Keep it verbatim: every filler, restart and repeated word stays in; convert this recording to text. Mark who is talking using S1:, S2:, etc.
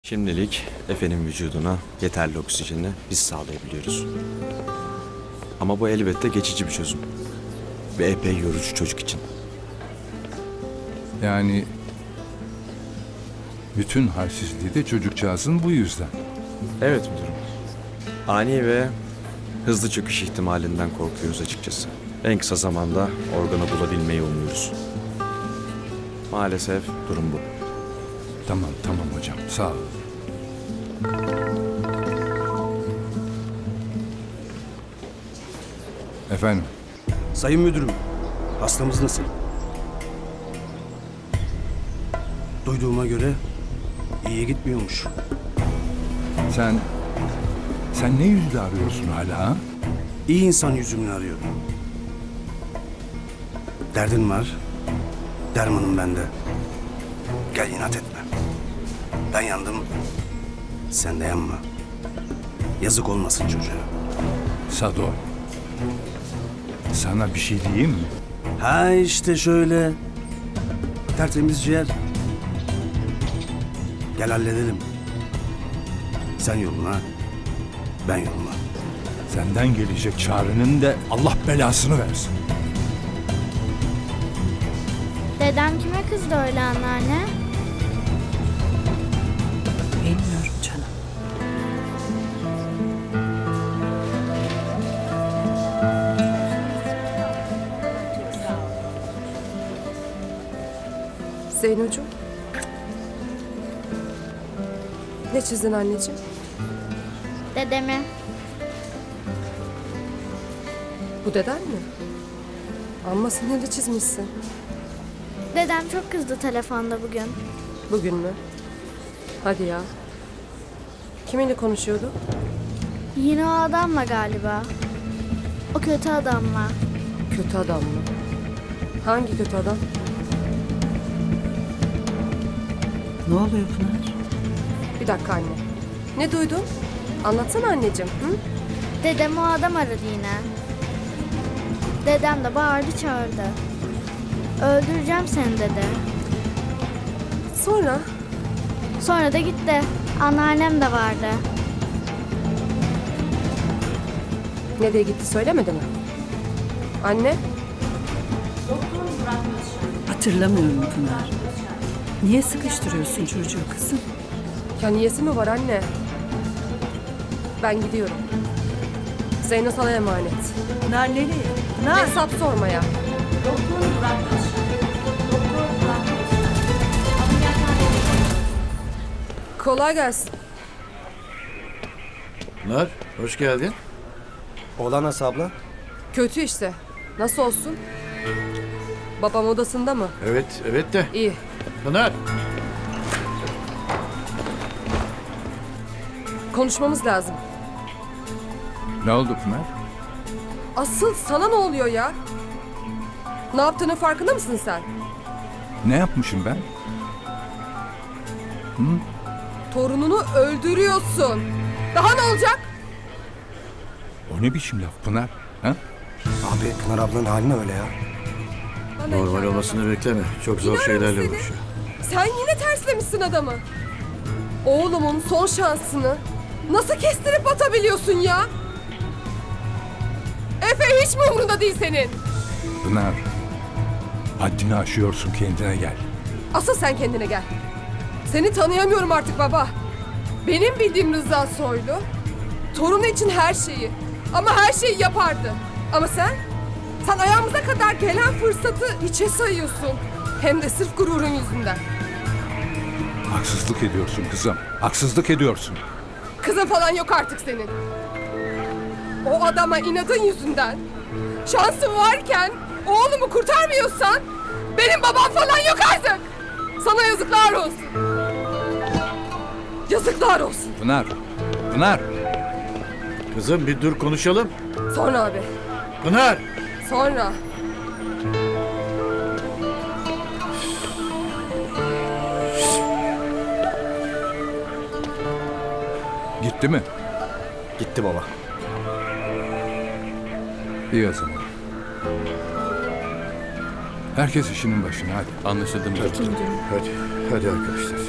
S1: Şimdilik Efe'nin vücuduna yeterli oksijeni biz sağlayabiliyoruz. Ama bu elbette geçici bir çözüm. Ve epey yorucu çocuk için.
S2: Yani bütün halsizliği de çocukcağızın bu yüzden.
S1: Evet müdürüm. Ani ve hızlı çöküş ihtimalinden korkuyoruz açıkçası. En kısa zamanda organı bulabilmeyi umuyoruz. Maalesef durum bu.
S2: Tamam tamam hocam, sağ ol. Efendim,
S3: Sayın müdürüm, hastamız nasıl? Duyduğuma göre iyiye gitmiyormuş.
S2: sen sen ne yüzle arıyorsun hala ha?
S3: İyi insan yüzümünü arıyorum. Derdin var, dermanım bende. Gel inat etme. Ben yandım, sen de yanma. Yazık olmasın çocuğa.
S2: Sado, sana bir şey diyeyim mi?
S3: Ha işte şöyle. Tertemiz ciğer. Gel halledelim. Sen yoluna, ben yoluma.
S2: Senden gelecek çağrının da Allah belasını versin.
S4: Dedem kime kızdı öyle anneanne?
S5: Bilmiyorum canım.
S6: Zeynocuğum. Ne çizdin anneciğim?
S4: Dedemi.
S6: Bu deden mi? Amma sinirli çizmişsin.
S4: Dedem çok kızdı telefonda bugün.
S6: Bugün mü? Hadi ya. Kiminle konuşuyordu?
S4: Yine o adamla galiba. O kötü adamla.
S6: Kötü adam mı? Hangi kötü adam?
S5: Ne oluyor Pınar?
S6: Bir dakika anne. Ne duydun? Anlatsana anneciğim. Hı?
S4: Dedem o adam aradı yine. Dedem de bağırdı çağırdı. Öldüreceğim seni dedi.
S6: Sonra?
S4: Sonra da gitti. Anneannem de vardı.
S6: Nereye gitti söylemedi mi? Anne?
S5: Hatırlamıyorum Pınar. Niye sıkıştırıyorsun çocuğu kızım?
S6: Ya niyesi mi var anne? Ben gidiyorum. Zeyno sana emanet.
S5: Pınar nereye? Pınar!
S6: Hesap sormaya. Kolay gelsin.
S7: Pınar, hoş geldin.
S3: Oğlan nasıl abla?
S6: Kötü işte. Nasıl olsun? Babam odasında mı?
S7: Evet, evet de.
S6: İyi.
S7: Pınar,
S6: Konuşmamız lazım.
S2: Ne oldu Pınar?
S6: Asıl sana ne oluyor ya? Ne yaptığının farkında mısın sen?
S2: Ne yapmışım ben?
S6: Torununu öldürüyorsun. Daha ne olacak?
S2: O ne biçim laf Pınar? Ha?
S3: Abi Pınar ablanın hali ne öyle ya?
S6: Bana
S7: normal
S6: hikaye
S7: olmasını bekleme. Çok zor
S6: İnanırım
S7: şeylerle
S6: seni.
S7: uğraşıyor.
S6: Sen yine terslemişsin adamı. Oğlumun son şansını nasıl kestirip atabiliyorsun ya? Efe hiç mi umrunda değil senin?
S2: Pınar, haddini aşıyorsun, kendine gel.
S6: Asıl sen kendine gel. Seni tanıyamıyorum artık baba. Benim bildiğim Rıza Soylu, torunu için her şeyi, ama her şeyi yapardı. Ama sen, sen ayağımıza kadar gelen fırsatı hiçe sayıyorsun. Hem de sırf gururun yüzünden.
S2: Haksızlık ediyorsun kızım, haksızlık ediyorsun.
S6: Kızın falan yok artık senin. O adama inadın yüzünden, şansın varken oğlumu kurtarmıyorsan benim babam falan yok artık. Sana yazıklar olsun. Yazıklar olsun.
S2: Pınar, Pınar.
S7: Kızım bir dur konuşalım.
S6: Sonra abi,
S7: Pınar!
S6: sonra.
S2: Gitti mi?
S3: Gitti baba.
S2: İyi o zaman. Herkes işinin başına hadi.
S1: Anlaşıldı müdürüm.
S7: Hadi, hadi arkadaşlar.